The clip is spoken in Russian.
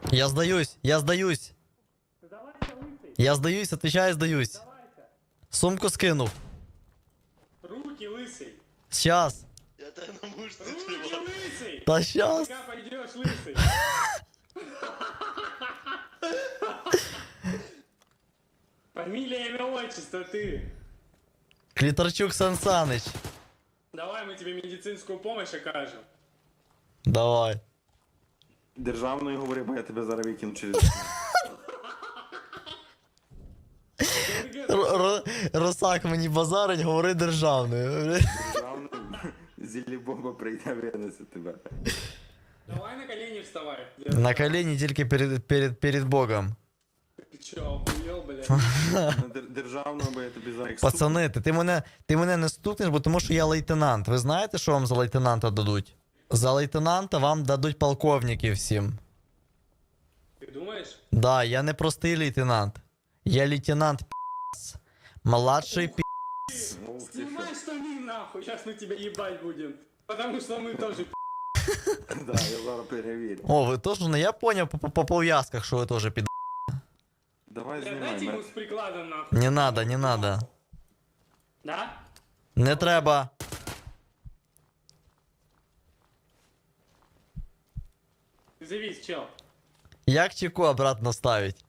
Я сдаюсь, я сдаюсь. Давайте, лысый. Я сдаюсь, отвечаю, сдаюсь. Давайте. Сумку скинув. Руки, лысый. Сейчас. Я тебе на мушці Руки, тримав. лысый. Та сейчас. Пока пойдешь, лысый. Фамилия, имя, отчество, ты. Кліторчук Сансаныч. Давай мы тебе медицинскую помощь окажем. Давай. Державною говори, бо я тебе зараз викину через. Росак мені базарить, говори державною. Державною зілі-бомба прийде винесе тебе. Давай на колени вставай. На колені тільки перед Богом. Ты чё, охуел, блядь? Державною, бо я тобі зараз. Пацани, ти мене не стукнеш, бо тому що я лейтенант. Ви знаєте, що вам за лейтенанта дадуть? За лейтенанта вам дадуть полковників всім. Ты думаешь? Да, я не простий лейтенант. Я лейтенант пи***ц. Младший пи***ц. Снимай штаны нахуй, сейчас мы тебя ебать будем. Потому что мы тоже Да, я зараз перевірю. О, ви теж, ну я поняв по пов'язках, що ви теж під... Давай Дайте знімай. ему мене. с прикладом нахуй. Не надо, не надо. Да? Не треба. Завис, чел. Як чеку обратно ставить?